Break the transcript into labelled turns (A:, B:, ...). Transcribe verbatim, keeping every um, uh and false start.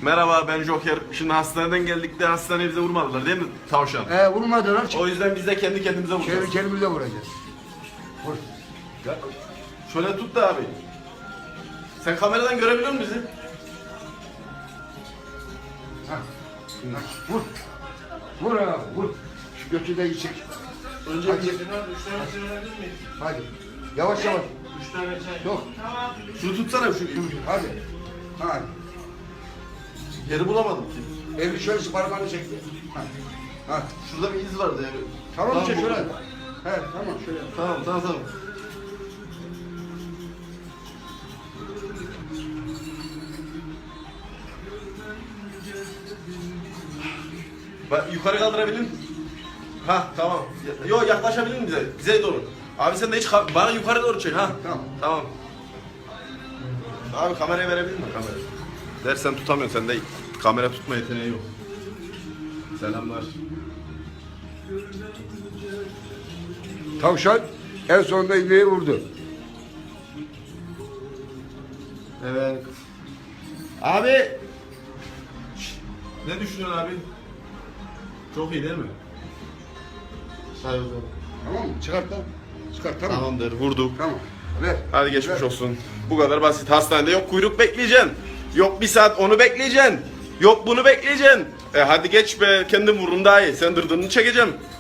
A: Merhaba, ben Joker. Şimdi hastaneden geldik de hastaneye bize vurmadılar değil mi tavşan?
B: He vurmadılar.
A: O yüzden biz de kendi kendimize vuracağız.
B: Kendi kendimize vuracağız. Vur. Ya,
A: Şöyle tut da abi. Sen kameradan görebiliyor musun bizi?
B: ha. Ha, Vur. Vur abi vur. Şu götü de içecek.
A: Önce
B: Hadi.
A: bir...
C: Üç tane söyleyebilir miyim?
B: Hadi. Yavaş yavaş.
C: Üç tane çay.
B: Yok.
A: Şunu tutsana şu.
B: Hadi. Hadi.
A: Yeri bulamadım ki.
B: Elini şöyle parmağını çekti. Hadi. Hadi.
A: Şurada bir iz vardı yani.
B: Tamam işte
A: bu-
B: şöyle. He tamam şöyle.
A: Tamam tamam tamam. Bak yukarı kaldırabilir misin? Ha tamam. Yo yaklaşabilir misin bize? Bize doğru. Abi sen de hiç ka- bana yukarı doğru çek ha.
B: Tamam.
A: Tamam. Abi kamerayı verebilir misin kamera? Dersen tutamıyorsun sende kamera tutma yeteneği yok. Selamlar.
B: Tavşan en sonunda iğneyi vurdu.
A: Evet. Abi. Şşt, ne düşünüyorsun abi? Çok iyi değil mi? Say o zaman.
B: Tamam mı? Çıkart lan. Çıkart tamam.
A: Tamamdır vurduk.
B: Tamam. Ver.
A: Hadi geçmiş
B: Ver.
A: olsun. Bu kadar basit. Hastanede yok kuyruk bekleyeceksin. Yok bir saat onu bekleyeceksin. Yok bunu bekleyeceksin. E hadi geç be kendim vururum daha iyi. Sen dırdırını çekeceğim.